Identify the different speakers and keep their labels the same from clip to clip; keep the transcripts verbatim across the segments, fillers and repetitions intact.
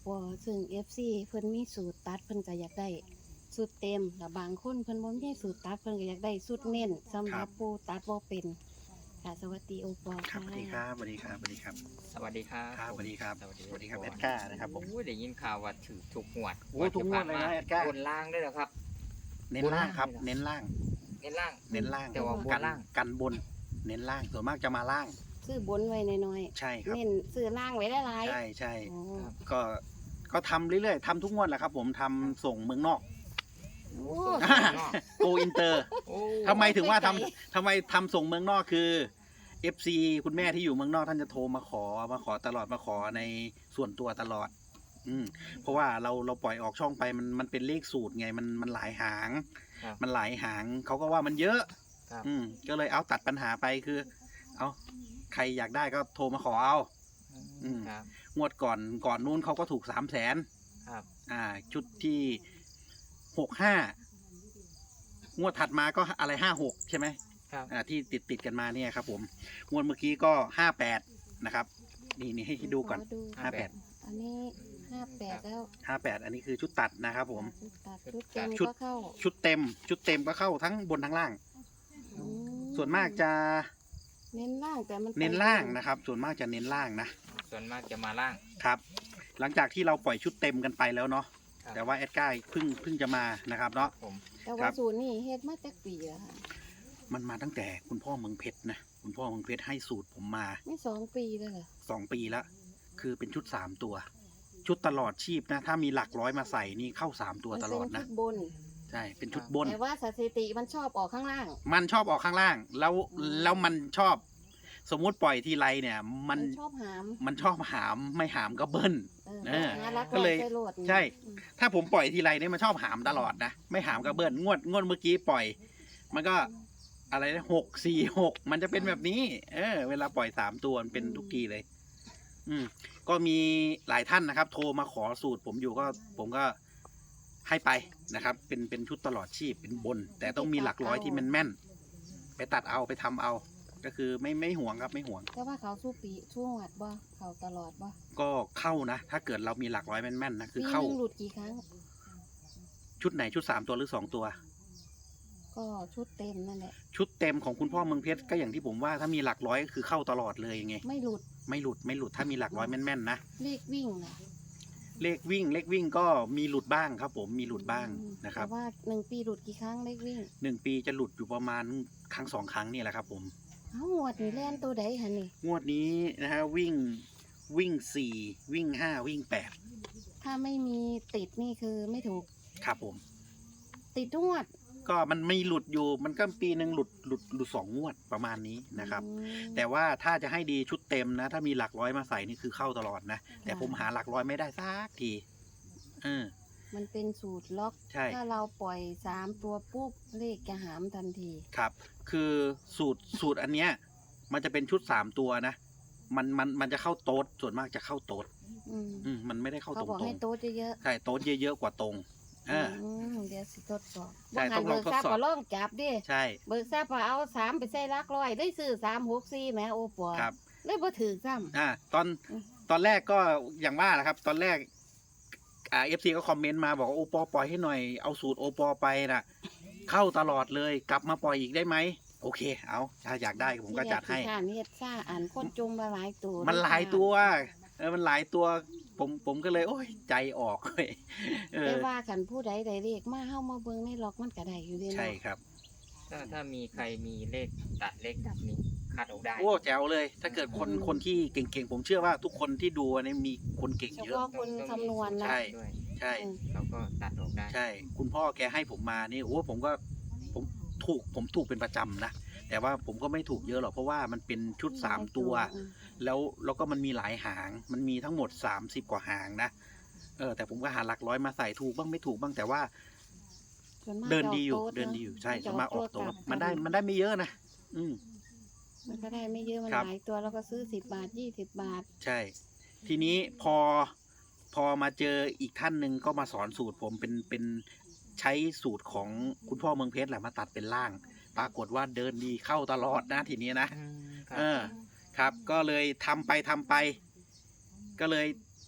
Speaker 1: ปอซึ่ง เอฟ ซี เพิ่นมีสูตรตัดเพิ่นก็อยากได้สูตรเต็มแล้วบางคนเพิ่นบ่มีสูตรตัดเพิ่นก็อยากได้สูตรเน้นสำหรับผู้ตัดบ่เป็นค่ะสวัสดีโอปอ
Speaker 2: ครับ
Speaker 1: ค่ะ
Speaker 2: สวัสดีครับสวัสดีครับสวัสดีครับ
Speaker 3: สวัสดีครับ
Speaker 2: ครับสวัสดีครับ
Speaker 3: สวัสดี
Speaker 2: สวัสดีครับ
Speaker 3: โอ
Speaker 2: แอ
Speaker 3: ป
Speaker 2: ดก้านะครับผม
Speaker 3: โอ้ยได้ยินข่าวว่าถือถูกหวด
Speaker 2: โอ้ทุกงวดเลยนะแอดก้า
Speaker 3: บนล่างด้วยเหรอครับ
Speaker 2: เน้นล่างครับ เน้นล่าง
Speaker 3: เน้นล่าง
Speaker 2: เน้นล่าง
Speaker 3: แต่ว่าบน
Speaker 2: กัน
Speaker 3: ล่าง
Speaker 2: กันบน เน้นล่างส่วนมากจะมาล่าง
Speaker 1: ซื้อบนไว้น้อย
Speaker 2: ใช่ค
Speaker 1: ๆ
Speaker 2: รับ
Speaker 1: เน้นซื้อล่างไว้หลายๆ
Speaker 2: ใช่ใช่
Speaker 1: อ๋อ
Speaker 2: ก็ก็ทำเรื่อยๆทำทุกงวดแหละครับ ผมทำส่งเมืองนอก
Speaker 1: โอ้
Speaker 2: โกอินเตอร์
Speaker 3: โอ้
Speaker 2: ทำไมถึงว่าทำทำไมทำส่งเมืองนอกคือ เอฟ ซี คุณแม่ที่อยู่เมืองนอกท่านจะโทรมาขอมาขอตลอดมาขอในส่วนตัวตลอด อืมเพราะว่าเราเราปล่อยออกช่องไปมันมันเป็นเลขสูตรไงมันมันหลายหาง
Speaker 3: ครับ
Speaker 2: มันหลายหางเขาก็ว่ามันเยอะ
Speaker 3: ครับ
Speaker 2: อืมก็เลยเอาตัดปัญหาไปคือ เอาใครอยากได้ก็โทรมาขอเอา อืม
Speaker 3: ครับ
Speaker 2: งวดก่อนก่อนนู้นเขาก็ถูกสามแสน
Speaker 3: ครับ
Speaker 2: อ่า ชุดที่หกห้างวดถัดมาก็อะไรห้าหกใช่ไหม
Speaker 3: ครับ
Speaker 2: อ่าที่ติดติดกันมาเนี่ยครับผมงวดเมื่อกี้ก็ห้าแปดนะครับนี่นี่ให้ดูก่อน
Speaker 1: ขดู
Speaker 2: ห้าแปด
Speaker 1: อันนี้ห้าแปดแล้ว
Speaker 2: ห้าแปดอันนี้คือชุดตัดนะครับผม
Speaker 1: ชุดตัดชุดเต็ม
Speaker 2: ชุด
Speaker 1: ก็เข้า
Speaker 2: ชุดเต็ม ชุดเต็มก็เข้าทั้งบนทั้งล่าง
Speaker 1: อืม
Speaker 2: ส่วนมากจะ
Speaker 1: เน้นล่างแต่มันไป
Speaker 2: เน้นล่างนะครับ ส่วนมากจะเน้นล่างนะ
Speaker 3: ส่วนมากจะมาล่าง
Speaker 2: ครับ หลังจากที่เราปล่อยชุดเต็มกันไปแล้วเนาะ
Speaker 3: ครับ
Speaker 2: แต่ว่าแอดก้าเพิ่งเพิ่งจะมานะครับเนาะ
Speaker 3: ผม
Speaker 1: แต่
Speaker 2: ครั
Speaker 1: ว่า
Speaker 2: บ
Speaker 1: สูตรนี่เฮ็ดมาจากปีแล้วค่ะ
Speaker 2: มันมาตั้งแต่คุณพ่อเมืองเพชรนะคุณพ่อเมืองเพชรให้สูตรผมมา
Speaker 1: ไม่สองปีเลยเหรอ
Speaker 2: สองปีแล้วคือเป็นชุดสามตัว ชุดตลอดชีพนะ ถ้ามีหลักร้อยมาใส่นี่เข้าสามตัวตลอด
Speaker 1: มันเป็น
Speaker 2: นะ
Speaker 1: ชุดบน
Speaker 2: ใช่เป็นชุดบน
Speaker 1: แต่ว่าสถิติมันชอบออกข้างล่าง
Speaker 2: มันชอบออกข้างล่าง แล้วแล้วมันชอบ สมมุติปล่อยทีไรเนี่ย มัน
Speaker 1: ชอบหาม
Speaker 2: มันชอบหามไม่หามก็เบิ้ล
Speaker 1: เออ
Speaker 2: เออ
Speaker 1: หารัก
Speaker 2: ก็เลย
Speaker 1: ไว้ใส่โหลดนี่
Speaker 2: ใช่
Speaker 1: อืม
Speaker 2: ถ้าผมปล่อยทีไรเนี่ยมันชอบหามตลอดนะไม่หามก็เบิ้ลงวดงวดเมื่อกี้ปล่อย มันก็อะไรนะหกสี่หกมันจะเป็นแบบนี้ เออ เวลาปล่อยสามตัวมันเป็นทุกทีเลย อืมก็มีหลายท่านนะครับ โทรมาขอสูตรผมอยู่ก็ ผมก็ให้ไปนะครับ เป็นเป็นชุดตลอดชีพเป็นบน แต่ต้องมีหลักร้อยที่แม่นแม่นๆไปตัดเอาไปทำเอา ก็คือไม่ไม่ห่วงครับไม่ห่วง
Speaker 1: แต่ว่าเขาสู้ปีสู้หวัดบ่เขาตลอดบ่
Speaker 2: ก็เข้านะถ้าเกิดเรามีหลักร้อยแม่นๆนะคือ
Speaker 1: ปี
Speaker 2: เข้า
Speaker 1: หนึงหลุดกี่ครั้ง
Speaker 2: ชุดไหนชุดสามตัวหรือสองตัว
Speaker 1: ก็ชุดเต็มนั่นแหละ
Speaker 2: ชุดเต็มของคุณพ่อเมืองเพชรก็อย่างที่ผมว่าถ้ามีหลักร้อยก็คือเข้าตลอดเลยไง
Speaker 1: ไม่หลุด
Speaker 2: ไม่หลุดไม่หลุดถ้ามีหลักร้อยแม่นๆนะ
Speaker 1: เลขวิ่งน่ะ
Speaker 2: เลขวิ่งเลขวิ่งก็มีหลุดบ้างครับ ผมมีหลุดบ้าง
Speaker 1: อืม
Speaker 2: นะครับ
Speaker 1: แต่ว่าหนึ่งปีหลุดกี่ครั้งเลขวิ่ง
Speaker 2: หนึ่งปีจะหลุดอยู่ประมาณครั้งสองครั้งนี่แหละครับผม
Speaker 1: เอ้าหวดนี่แล่นตัวใดหันนี่
Speaker 2: งวดนี้นะฮะวิ่งวิ่งสี่วิ่งห้าวิ่งแปด
Speaker 1: ถ้าไม่มีติดนี่คือไม่ถูก
Speaker 2: ครับผม
Speaker 1: ติดทุกงวด
Speaker 2: ก็มันไม่หลุดอยู่มันก็ปีหนึ่งหลุดหลุดหลุดสองงวดประมาณนี้นะครับ
Speaker 1: อืม
Speaker 2: แต่ว่าถ้าจะให้ดีชุดเต็มนะ ถ้ามีหลักร้อยมาใส่นี่คือเข้าตลอดนะ แต่ผมหาหลักร้อยไม่ได้สักทีเออ
Speaker 1: มันเป็นสูตรล็อก
Speaker 2: ใช่
Speaker 1: ถ้าเราปล่อยสามตัวปุ๊บเลขจะหามทันที
Speaker 2: ครับ คือสูตรสูตรอันเนี้ย มันจะเป็นชุดสามตัวนะ มันมันมันจะเข้าโต๊ดส่วนมากจะเข้าโต๊ด
Speaker 1: อืม
Speaker 2: อืมมันไม่ได้เข้า
Speaker 1: เขา
Speaker 2: ตรง
Speaker 1: บอก
Speaker 2: ตร
Speaker 1: ให้
Speaker 2: ง
Speaker 1: โต๊ะเยอะ
Speaker 2: ใช่โต๊ดเยอะๆกว่าตรงเออ
Speaker 1: อืมเดี๋ยวสิทดสอบ
Speaker 2: ใช่
Speaker 1: บ่หัน
Speaker 2: ต้องลอง
Speaker 1: เบิกทราบ
Speaker 2: ทดสอบ
Speaker 1: ก็ลองจับดิ
Speaker 2: ใช่
Speaker 1: เบิกทราบว่าเอาสามไปใส่ลักร้อยได้ซื้อสามหกสี่แหม่โอปัว
Speaker 2: ครับ
Speaker 1: เลยบ่ถือซ้
Speaker 2: อ่าตอน
Speaker 1: อืม
Speaker 2: ตอนแรกก็อย่างว่าแหละครับ ตอนแรกอ่าเอฟซีก็คอมเมนต์มาบอกว่าโอปอปล่อยให้หน่อยเอาสูตรโอปอไปนะเข้าตลอดเลยกลับมาปล่อยอีกได้ไหมโอเค เอาถ้าอยากได้
Speaker 1: ำ
Speaker 2: ผมก็จัดให้
Speaker 1: ที่แรกที่ข้านเฮ็ดซ่าอ่านคนจมมาหลายตัว
Speaker 2: มันหลายตัวเออมันหลายตัวผมผมก็เลย โอ้ยใจออกเลยเอ
Speaker 1: แต่
Speaker 2: อ
Speaker 1: ว่าคันผู้ใดได้เลขมาเฮามาเบิ่งในล็อกมันก็ได้อยู่เด้เนาะ
Speaker 2: ใช่ครับ
Speaker 3: ถ้าถ้ามีใครมีเลขตัดเลขดับนี้คัดออกได้
Speaker 2: โอ้แจ๋วเลย ถ้าเกิดคนคนที่เก่งๆ ผมเชื่อว่าทุกคนที่ดูเนี่ยมีคนเก่ง
Speaker 1: เฉ
Speaker 2: เยอะ
Speaker 1: พาะคนคำนวณนะ
Speaker 2: ใช่
Speaker 3: ด้วย
Speaker 2: ใช่
Speaker 1: อืม
Speaker 3: เราก็ตัดออกได้
Speaker 2: ใช่ คุณพ่อแกให้ผมมานี่โอ้ผมก็ผมถูกผมถูกเป็นประจำนะ แต่ว่าผมก็ไม่ถูกเยอะหรอกเพราะว่ามันเป็นชุดสามตัว
Speaker 1: อืม
Speaker 2: แล้วแล้วก็มันมีหลายหาง มันมีทั้งหมดสามสิบกว่าหางนะเออแต่ผมก็หาหลักร้อยมาใส่ถูกบ้างไม่ถูกบ้างแต่ว่า
Speaker 1: ส่วนมาก
Speaker 2: เดินดีอยู่
Speaker 1: จะาโต๊ะ
Speaker 2: เดินดีอยู่ใช่
Speaker 1: จะ
Speaker 2: สามารถออก
Speaker 1: ตั
Speaker 2: ตัว ว
Speaker 1: กลับ
Speaker 2: มันได้มันได้ไม่เยอะนะอืม
Speaker 1: มันก็ได้ไม่เยอะมัน
Speaker 2: ครับ
Speaker 1: หลายตัวแล้วก็ซื้อสิบบาทยี่สิบบาท
Speaker 2: ใช่ ทีนี้พอพอมาเจออีกท่านหนึ่งก็มาสอนสูตรผมเป็นเป็นใช้สูตรของคุณพ่อเมืองเพชรแหละมาตัดเป็นล่าง ปรากฏว่าเดินดีเข้าตลอดนะทีนี้นะ
Speaker 3: อืมครับ
Speaker 2: เออครับ ก็เลยทำไปทำไป ก็เลย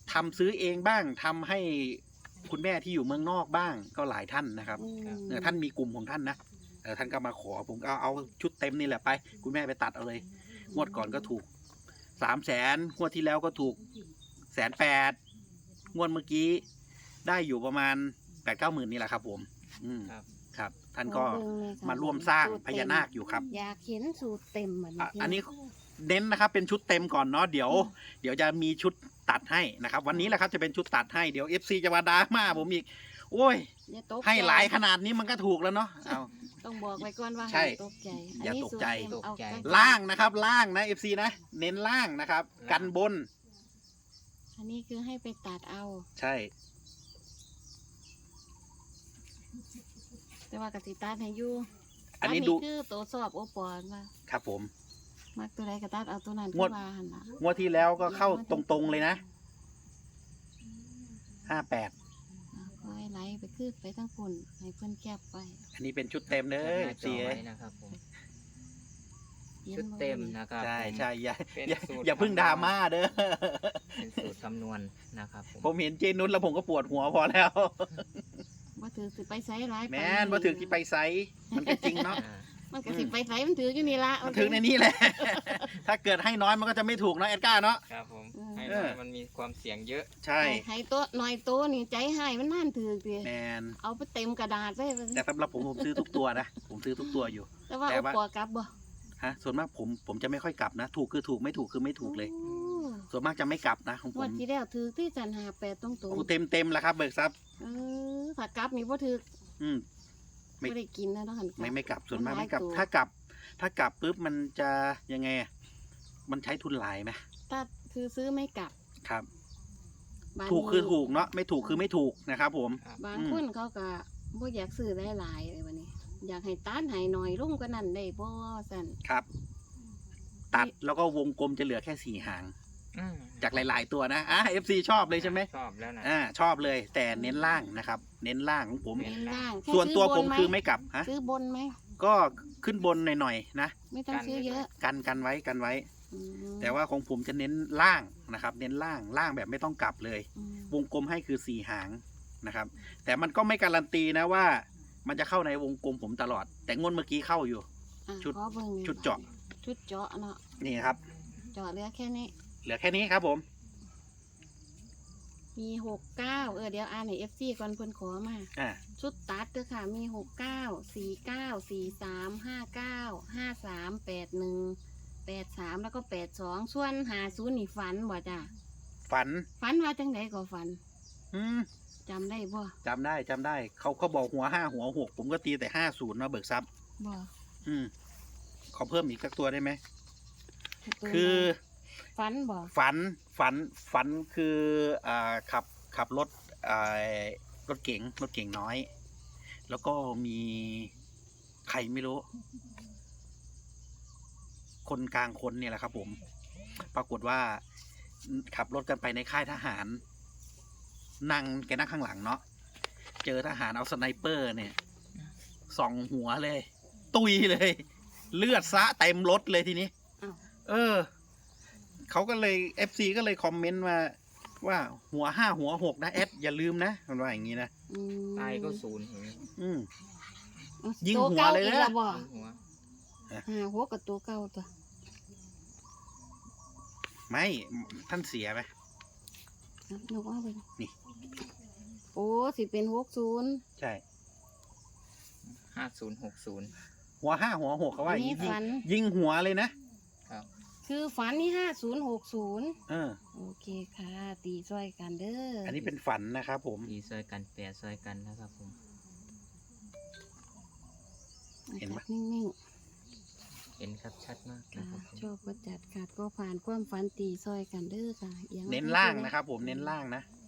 Speaker 2: ทำซื้อเองบ้างทำให้คุณแม่ที่อยู่เมืองนอกบ้างก็หลายท่านนะครับ
Speaker 1: อืม
Speaker 2: เออท่านมีกลุ่มของท่านนะเออท่านก็มาขอผมก็เอาเอาชุดเต็มนี่แหละไป คุณแม่ไปตัดเอาเลยงวดก่อนก็ถูกสามแสนงวดที่แล้วก็ถูกแสนแปดงวดเมื่อกี้ได้อยู่ประมาณแปดเก้าหมื่นนี่แหละครับ ผม อืม
Speaker 3: ครับ
Speaker 2: ครับ ท่านก็
Speaker 1: ขอเบิ่งเลยค่ะ
Speaker 2: มาร่วมสร้าง
Speaker 1: สูต
Speaker 2: พญานาคอยู่ครับ
Speaker 1: อยากเห็นสูตรเต็มเหมือน
Speaker 2: อ่ะ
Speaker 1: พี่
Speaker 2: อันนี้เน้นนะครับเป็นชุดเต็มก่อนเนาะเดี๋ยว เดี๋ยวจะมีชุดตัดให้นะครับ วันนี้แหละครับจะเป็นชุดตัดให้เดี๋ยว เอฟ ซี จะมาด่ามาผมอีกโอ้ย
Speaker 1: อย่าตก
Speaker 2: ให้หลาย
Speaker 1: ใจ
Speaker 2: ขนาดนี้มันก็ถูกแล้วเนาะเอา
Speaker 1: ต้องบอกไว้ก่อนว่า
Speaker 2: ใช่
Speaker 1: ห้ามตกใจ
Speaker 2: อย่าตกใจ
Speaker 1: อันนี้สูรเต็มเอา
Speaker 3: ตกใจ
Speaker 1: ใกล้ๆ
Speaker 2: ล่างนะครับ ล่างนะ เอฟ ซี นะ เน้นล่างนะครับ
Speaker 3: ล่าง
Speaker 2: กันบน
Speaker 1: อันนี้คือให้ไปตัดเอา
Speaker 2: ใช่
Speaker 1: แต่ว่ากติตัดให้อยู่
Speaker 2: อันนี้ดู
Speaker 1: คือตัวสอบโอปอนว่า
Speaker 2: ครับผม
Speaker 1: มักตัวใดก็ตัดเอาตัวนั้น
Speaker 2: งวด
Speaker 1: คือว่าหั่นล่ะ
Speaker 2: งวดที่แล้วก็เข้าตรงๆเลยนะห้าแปด
Speaker 1: อ่าคอยไหลไปคือไปทั้งคนให้เพิ่นแคบไป
Speaker 2: อันนี้เป็นชุดเต็มเด้
Speaker 3: แคป
Speaker 2: อ
Speaker 3: หน้าจ
Speaker 2: ซี
Speaker 3: อไว้นะครับผม
Speaker 1: ห็น
Speaker 3: ชุด
Speaker 1: บ่
Speaker 3: เต็มนะครับ
Speaker 2: ใช่
Speaker 3: ผม
Speaker 2: ใช่อย่า
Speaker 3: เป็น
Speaker 2: อย่า
Speaker 3: สูตร
Speaker 2: อย่าเพึ่งดราม่าเด้อ
Speaker 3: เป็นสูตรคำนวณนะครับผม
Speaker 2: ผมเห็นเจนุชแล้วผมก็ปวดหัวพอแล้ว
Speaker 1: ว่าถือสิไปไสหลาย
Speaker 2: แม่นว่าถึงที่ไปไซส์มันก็จริงเนาะ
Speaker 3: อ่า
Speaker 1: มันก็สิไปไสมันถืออยู่นี่ละ
Speaker 2: มันถึงในนี้แหละ ถ้าเกิดให้น้อยมันก็จะไม่ถูกเนาะเอ็ดก้าเนาะ
Speaker 3: ครับผม
Speaker 1: อืม
Speaker 3: ให้
Speaker 2: เอ
Speaker 3: น้อ
Speaker 2: อ
Speaker 3: ยมันมีความเสี่ยงเยอะ
Speaker 2: ใช่
Speaker 1: ให้ตัวหน่อยตัวนี่ใจให้มันน่านถือติ
Speaker 2: แมน
Speaker 1: เอาไปเต็มกระดาษไว้
Speaker 2: แต่สำหรับผมผมซื้อทุกตัวนะ ผมซื้อทุกตัวอยู่
Speaker 1: แต่ว่า
Speaker 2: แต่
Speaker 1: เอา
Speaker 2: ว่า
Speaker 1: ปอกลับบ่
Speaker 2: ฮะ ส่วนมากผมผมจะไม่ค่อยกลับนะ ถูกคือถูกไม่ถูกคือไม่ถูกเลย
Speaker 1: โอ้
Speaker 2: ส่วนมากจะไม่กลับนะของผ
Speaker 1: งวด
Speaker 2: ม
Speaker 1: ที่แล้วถือที่จันหาแปดตรงตัว
Speaker 2: โอ้เต็มเต็มแล้วครับ เบิกทรัพย์
Speaker 1: เออถ้ากลับนี่บ่ถือ
Speaker 2: อืม ไม่
Speaker 1: ไม่ได้กินนะเนาะหันกลับ
Speaker 2: ไม่ไม่กลับ ส่วนมาก
Speaker 1: มันหลาย
Speaker 2: ไม่กลับ
Speaker 1: ตัว
Speaker 2: ถ้ากลับ ถ้ากลับปุ๊บมันจะยังไงอะมันใช้ทุนหลายไหม
Speaker 1: ถ้าคือซื้อไม่กลับ
Speaker 2: ครับ
Speaker 1: บาง
Speaker 2: ถูกคือถูกเนาะ ไม่ถูกคือไม่ถูกนะครับผม
Speaker 1: บาง
Speaker 2: อืม
Speaker 1: คนเขาก็บ่อยากซื้อหลายๆเลยวันนี้ อยากให้ต้านให้หน่อยลุ่มก็นั่นได้บ่สั่น
Speaker 2: ครับ ตัดแล้วก็วงกลมจะเหลือแค่สี่หาง
Speaker 3: อืม
Speaker 2: จากหลาย ๆ ตัวนะ อ่ะ เอฟ ซี ชอบเลยใช่ไหม
Speaker 3: ชอบแล้วนะ
Speaker 2: อ่า ชอบเลย แต่เน้นล่างนะครับ เน้นล่างของผม
Speaker 1: เน้นล่างแค่
Speaker 2: ส่วนตัวผม
Speaker 1: ซื้บนห
Speaker 2: คือไม่กลับ ฮะ
Speaker 1: ซื้อบนไหม
Speaker 2: ก็ขึ้นบนหน่อย ๆ นะ
Speaker 1: ไม่ต้องซื้อเยอะ
Speaker 2: กันกันไว้กันไว้
Speaker 1: อืม
Speaker 2: แต่ว่าของผมจะเน้นล่างนะครับ เน้นล่าง ล่างแบบไม่ต้องกลับเลย
Speaker 1: อืม
Speaker 2: วงกลมให้คือสี่หางนะครับ แต่มันก็ไม่การันตีนะว่า มันจะเข้าในวงกลมผมตลอด แต่งวดเมื่อกี้เข้าอยู่
Speaker 1: อ่ะ
Speaker 2: ชุด
Speaker 1: ขอเบิ่งหน่อย
Speaker 2: ชุดเจาะ
Speaker 1: ชุดเจาะเนาะ
Speaker 2: นี่ครับ
Speaker 1: เจาะเหลือแค่นี้
Speaker 2: เหลือแค่นี้ครับผม
Speaker 1: มีหกเก้าเออเดี๋ยวอ่านให้เอฟซีก่อนเพิ่นขอมา
Speaker 2: อ่า
Speaker 1: ชุดตัดเด้อค่ะ มีหกเก้าสี่เก้าสี่สามห้าเก้าห้าสามแปดหนึ่งแปดสามแล้วก็แปดสองส่วนหาศูนย์นี่ฝันบ่จ้ะ
Speaker 2: ฝัน
Speaker 1: ฝันว่าจังไดก็ฝัน
Speaker 2: อืม
Speaker 1: จำได้บ่
Speaker 2: จำได้จำได้ เขาเขาบอกหัวห้าหัวหกผมก็ตีแต่ห้าศูนย์มาเบิกทรัพย์
Speaker 1: บ่
Speaker 2: อืม ขอเพิ่มอีกสักตัวได้ไหม
Speaker 1: ตัว
Speaker 2: คือ
Speaker 1: ฝันบ่
Speaker 2: ฝันฝันฝันคืออ่าขับขับรถอ่ารถเก๋งรถเก๋งน้อย แล้วก็มีใครไม่รู้ คนกลางคนเนี่ยแหละครับผม ปรากฏว่าขับรถกันไปในค่ายทหาร นั่งแกนั่งข้างหลังเนาะเจอทหารเอาสไนเปอร์เนี่ยส่องหัวเลย ตุยเลย เลือดซะเต็มรถเลยทีนี้
Speaker 1: อ้าว
Speaker 2: เออ เขาก็เลยเอฟซีก็เลยคอมเมนต์มาว่าหัวห้าหัวหกนะแอดอย่าลืมนะมันว่าอย่างนี้นะ
Speaker 1: อืม
Speaker 3: ตายก็ศูนย์อย่างนี้
Speaker 2: อืม
Speaker 1: อ่ะ
Speaker 2: ยิง
Speaker 1: ตัว
Speaker 2: หัว
Speaker 1: ก่า
Speaker 2: เลย
Speaker 1: อีก
Speaker 2: นะ
Speaker 1: แล้วบ่
Speaker 3: หัว
Speaker 1: หาหัวกับตัวเก่าตัว
Speaker 2: ไม่ท่านเสียไหม
Speaker 1: อ่ะยกเอาไป
Speaker 2: นี่
Speaker 1: โอ้สิเป็นหกศูนย์
Speaker 2: ใช่
Speaker 3: ห้าศูนย์หกศูนย์
Speaker 2: หัวห้าหัวหกเขาว่า
Speaker 1: อั
Speaker 2: อน ย่าง
Speaker 1: นี้
Speaker 2: นี้ยิง
Speaker 1: ฝัน
Speaker 2: ยิงหัวเลยนะ
Speaker 3: ครับ
Speaker 1: คือฝันนี่ห้าศูนย์หกศูนย์
Speaker 2: เออ
Speaker 1: โอเคค่ะ ตีซ้อยกันเด้อ
Speaker 2: อั
Speaker 1: อั
Speaker 2: นนี้เป็นฝันนะครับผม
Speaker 3: ดีซอยกันแปดซอยกันนะครับผม
Speaker 2: เห็นปะ
Speaker 1: นิ่ง
Speaker 3: เห็นครับชัดมาก
Speaker 1: ๆ
Speaker 3: นะ
Speaker 1: ค่ะ
Speaker 3: ครับผม
Speaker 1: ชอบประจัดขาดก็ผ่านความฝันตีซ้อยกันเด้อค่ะอีย
Speaker 2: เน้นล่างนะครับผมเน้นล่างนะ
Speaker 1: อ